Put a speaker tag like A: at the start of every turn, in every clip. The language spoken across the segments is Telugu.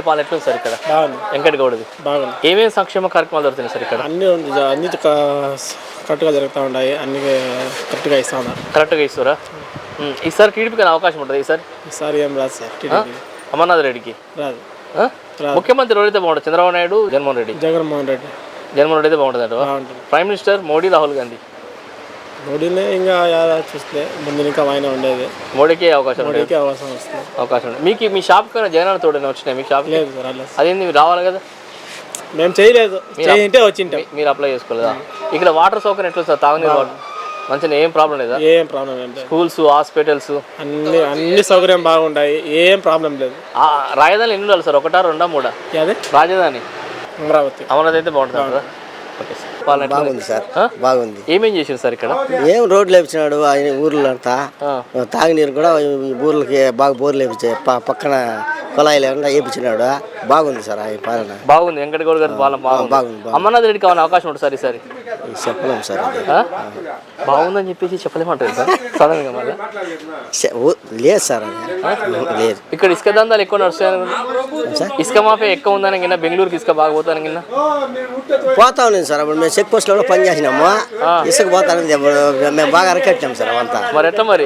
A: గారి పాలన ఎట్లుంది సార్ ఇక్కడ? వెంకటగౌడది
B: బాగుంది.
A: ఏమేమి సంక్షేమ కార్యక్రమాలు జరుగుతున్నాయి సార్ ఇక్కడ?
B: అన్ని కరెక్ట్గా జరుగుతూ ఉన్నాయి, అన్ని కరెక్ట్గా ఇస్తా ఉన్నారు.
A: కరెక్ట్గా ఇస్తారా? ఈసారి టీడీపీకి అవకాశం ఉంటుంది
B: ఈసారి ఏం రాదు సార్ టీడీపీ.
A: అమర్నాథ్ రెడ్డికి
B: రాదు.
A: ముఖ్యమంత్రి ఎవరైతే బాగుంటుంది? చంద్రబాబు నాయుడు, జగన్మోహన్ రెడ్డి అయితే బాగుంటుంది అంట. Prime minister Modi, Rahul Gandhi?
B: మోడీనే ఇంకా చూస్తే ముందు ఇంకా ఆయన ఉండేది.
A: మోడీకి అవకాశం
B: వస్తుంది.
A: అవకాశం ఉంది. మీకు మీ షాప్ కన్నా జగన్ తోడనే వచ్చినాయి? మీకు షాప్
B: లేదు సార్.
A: అదేంది, మీరు రావాలి కదా?
B: మేము చేయలేదు, వచ్చింటే
A: మీరు అప్లై చేసుకోలేదా? ఇక్కడ వాటర్ సౌకర్యం ఎట్లా సార్? తాగునీరు వాటర్ మంచిగా ఏం ప్రాబ్లం లేదా?
B: ఏం ప్రాబ్లం లేదు.
A: స్కూల్స్, హాస్పిటల్స్
B: అన్ని సౌకర్యం బాగుంటాయి, ఏం ప్రాబ్లం లేదు.
A: రాజధాని ఎన్ని ఉండాలి సార్? 1, 2, 3? రాజధాని
B: అమరావతి.
A: అమరావతి అయితే బాగుంటుంది.
C: బాగుంది సార్, బాగుంది.
A: ఏమేం చేసారు సార్ ఇక్కడ?
C: ఏం రోడ్లు వేపించినాడు ఆయన ఊర్లో అంతా. తాగునీరు కూడా ఊర్లకి బాగా బోర్లు వేపించాయి, పక్కన కుళాయిలు ఏమన్నా వేపించినాడు. బాగుంది సార్ ఆయన పాలన.
A: బాగుంది. వెంకటగౌడ గారి పాలన బాగుంది. అమర్నాథ్ రెడ్డికి కావాలని అవకాశం ఉంటుంది సార్ ఈసారి?
C: చెప్పలేము సార్.
A: బాగుందని చెప్పేసి చెప్పలేమంటారు సార్ సడన్ గా?
C: లేదు సార్, లేదు.
A: ఇక్కడ ఇసుక దందాలు ఎక్కువ నడుస్తాయని, ఇసుక మాఫియా ఎక్కువ ఉందని కింద, బెంగళూరుకి ఇసుక బాగా పోతాను కింద
C: పోతా ఉన్నాం సార్. అప్పుడు మేము చెక్ పోస్ట్ లో పని చేసినాము, ఇసుక పోతాను మేము బాగా అరకెట్టాము సార్ అవంతా.
A: మరి ఎట్లా మరి?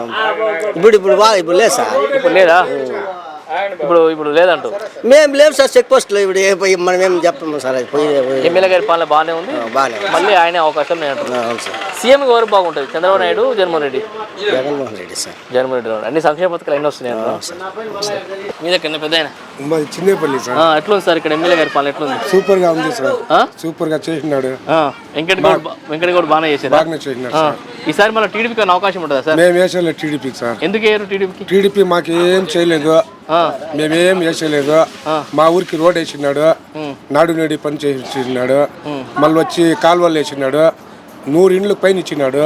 C: ఇప్పుడు లేదు సార్.
A: ఇప్పుడు లేదా? ఇప్పుడు లేదంటూ
C: మేము లేవు సార్ చెక్ పోస్ట్ లో. ఇప్పుడు మనం ఏం చెప్పము సార్.
A: ఎమ్మెల్యే గారి పాలన బాగానే ఉంది, మళ్ళీ ఆయనే అవకాశం నేను అంటున్నాను. సీఎం ఎవరు బాగుంటుంది? చంద్రబాబు నాయుడు, జగన్మోహన్ రెడ్డి?
C: జగన్మోహన్ రెడ్డి సార్.
A: జగన్మోహన్ రెడ్డి. అన్ని సంక్షేమ పథకాలు ఎన్ని వస్తున్నాయి మీ దగ్గర? పెద్ద
D: చిన్నపల్లి సార్.
A: ఎట్లుంది సార్ ఇక్కడ ఎమ్మెల్యే గారి పాలన? ఎట్లుంది?
D: సూపర్ గా ఉంది సార్. సూపర్ గా చేసినాడు.
A: వెంకటగౌడ బాగానే చేశారు. ఈసారి మన టీడీపీకి అవకాశం ఉంటుందా సార్?
D: మేము వేసేలేదు టీడీపీ సార్.
A: ఎందుకు వేయరు టీడీపీకి?
D: టీడీపీ మాకేం చేయలేదు, మేమేం వేసలేదు. మా ఊరికి రోడ్ వేసినాడు, నాడు నేడి పని చేసినాడు, మళ్ళీ వచ్చి కాలువలు వేసినాడు, 100 ఇండ్లకు పైన ఇచ్చినాడు.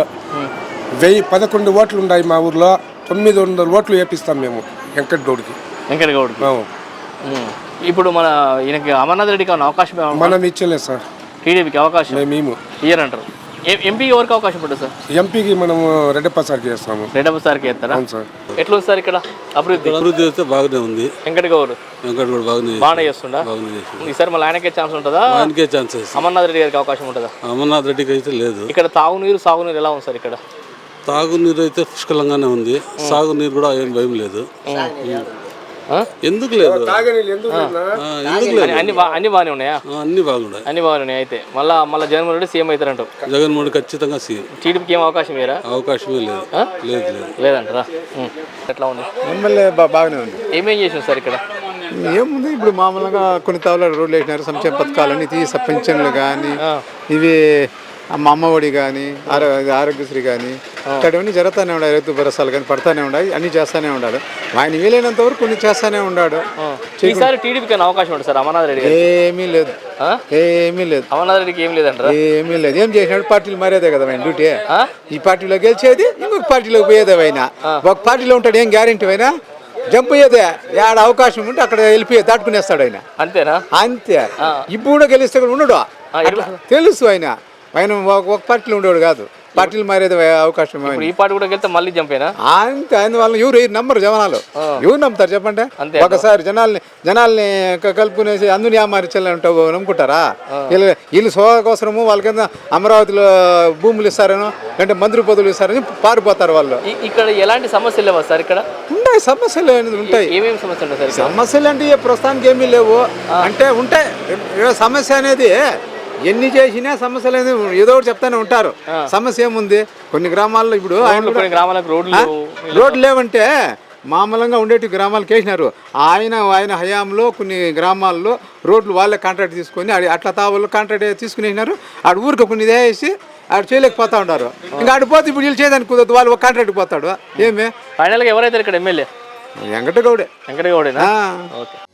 D: 11 ఓట్లు ఉన్నాయి మా ఊర్లో, 900 ఓట్లు వేపిస్తాం మేము వెంకటగౌడ్కి.
A: ఇప్పుడు మన ఈయనకి అమర్నాథ్ రెడ్డికి అవకాశం
D: మనం ఇచ్చలేదు సార్.
A: టీడీపీకి అవకాశం
D: మేము
A: ఇయర్ అంటారు. ఎంపీకి ఎవరికి అవకాశం ఉంటుంది సార్?
D: ఎంపీకి మనము రెడ్డప్ప సార్కి చేస్తాము.
A: రెడ్డప్ప సార్కి వేస్తారా?
D: అవును సార్.
A: ఎట్లా సార్ ఇక్కడ అభివృద్ధి?
E: అయితే బాగానే ఉంది.
A: వెంకటగౌడ్ బాగానే చేస్తుందా? ఈసారి మళ్ళీ ఆయనకే ఛాన్స్ ఉంటుందా?
E: ఆయనకే ఛాన్సెస్.
A: అమర్నాథ్ రెడ్డి గారికి అవకాశం ఉంటుందా?
E: అమర్నాథ్ రెడ్డికి అయితే లేదు.
A: ఇక్కడ తాగునీరు, సాగునీరు ఎలా ఉంది సార్? ఇక్కడ
E: తాగునీరు అయితే పుష్కలంగానే ఉంది, సాగునీరు కూడా ఏం భయం లేదు. ఎందుకు లేదు?
A: అన్ని బాగానే ఉన్నాయా?
E: అన్ని బాగున్నాయి.
A: అన్ని బాగున్నాయి. అయితే మళ్ళీ జగన్మోహన్ రెడ్డి సీఎం అవుతారంట?
E: జగన్మోహన్ ఖచ్చితంగా సీఎం.
A: టీడీపీకి ఏం అవకాశం వేరా?
E: అవకాశమే లేదు.
A: లేదంటారా? ఎట్లా ఉంది?
F: ఎమ్మెల్యే బాగానే ఉంది.
A: ఏమేం చేసాం సార్ ఇక్కడ?
F: ఏముంది, ఇప్పుడు మామూలుగా కొన్ని తావుల రోడ్లు వేసినారు, సంక్షేమ పథకాలన్నీ తీసా, పెన్షన్లు కానీ, ఇవి మా అమ్మఒడి కానీ, ఆరోగ్యశ్రీ కానీ, ఇక్కడవన్నీ జరుగుతూనే ఉన్నాయి. రైతు భరోసాలు కానీ పడతానే ఉన్నాయి, అన్ని చేస్తూనే ఉన్నాడు. ఆయన వీలైనంత వరకు కొన్ని చేస్తూనే ఉన్నాడు.
A: ఈసారి టీడీపీకి అవకాశం ఉంటుంది సార్? అమర్నాథ్ రెడ్డి
F: ఏమీ లేదు.
A: అమర్నాథ్ రెడ్డికి ఏం లేదంటారా?
F: ఏమీ లేదు. ఏం చేసినాడు? పార్టీలు మారేదే కదా ఆయన డ్యూటీ. ఈ పార్టీలో గెలిచేది, ఇంకొక పార్టీలోకి పోయేదే. అయినా ఒక పార్టీలో ఉంటాడు, ఏం గ్యారెంటీ అయినా జంప్ అయ్యేదే. ఆడ అవకాశం ఉంటే అక్కడ వెళ్ళిపోయి దాటుకునేస్తాడు ఆయన.
A: అంతేనా?
F: అంతే. ఇప్పుడు కూడా గెలిస్తే కూడా ఉండడు, తెలుసు. ఆయన ఒక పార్టీలో ఉండేవాడు కాదు, పార్టీలు మారేది అవకాశం.
A: ఈ పార్టీ కూడా వెళ్తే మళ్ళీ చంపేనా?
F: అంతే. అందువల్ల ఎవరు నమ్మరు జనాలు. ఎవరు నమ్ముతారు చెప్పండి? ఒకసారి జనాల్ని కలుపుకునేసి అందుని ఆమారించాలంటావు నమ్ముకుంటారా? వీళ్ళు సోదకోసరము వాళ్ళ అమరావతిలో భూములు ఇస్తారనో అంటే మంత్రి పదవులు ఇస్తారని పారిపోతారు వాళ్ళు.
A: ఇక్కడ ఎలాంటి సమస్యలు లేవా సార్? ఇక్కడ
F: ఉంటాయి సమస్యలు అనేది ఉంటాయి.
A: ఏమేమి సమస్యలు ఉంటాయి?
F: సమస్యలు అంటే ప్రస్తుతానికి ఏమీ లేవు, అంటే ఉంటాయి. సమస్య అనేది ఎన్ని చేసినా సమస్యలు అనేది ఏదో ఒకటి చెప్తానే ఉంటారు. సమస్య ఏముంది? కొన్ని గ్రామాల్లో ఇప్పుడు రోడ్లు లేవంటే మామూలుగా ఉండేటి గ్రామాలకు వేసినారు. ఆయన హయాంలో కొన్ని గ్రామాల్లో రోడ్లు వాళ్ళే కాంట్రాక్ట్ తీసుకొని అట్లా తావుల్లో కాంట్రాక్ట్ తీసుకుని వేసినారు. ఆడ ఊరికి కొన్ని వేసి ఆడ చేయలేకపోతా ఉంటారు. ఇంకా ఆడిపోతే ఇప్పుడు వీళ్ళు చేయడానికి కుదరదు, వాళ్ళు ఒక కాంట్రాక్ట్ పోతాడు. ఏమి
A: ఫైనల్గా ఎవరైతే ఇక్కడ ఎమ్మెల్యే?
F: వెంకటగౌడే.
A: వెంకటగౌడేనా? ఓకే.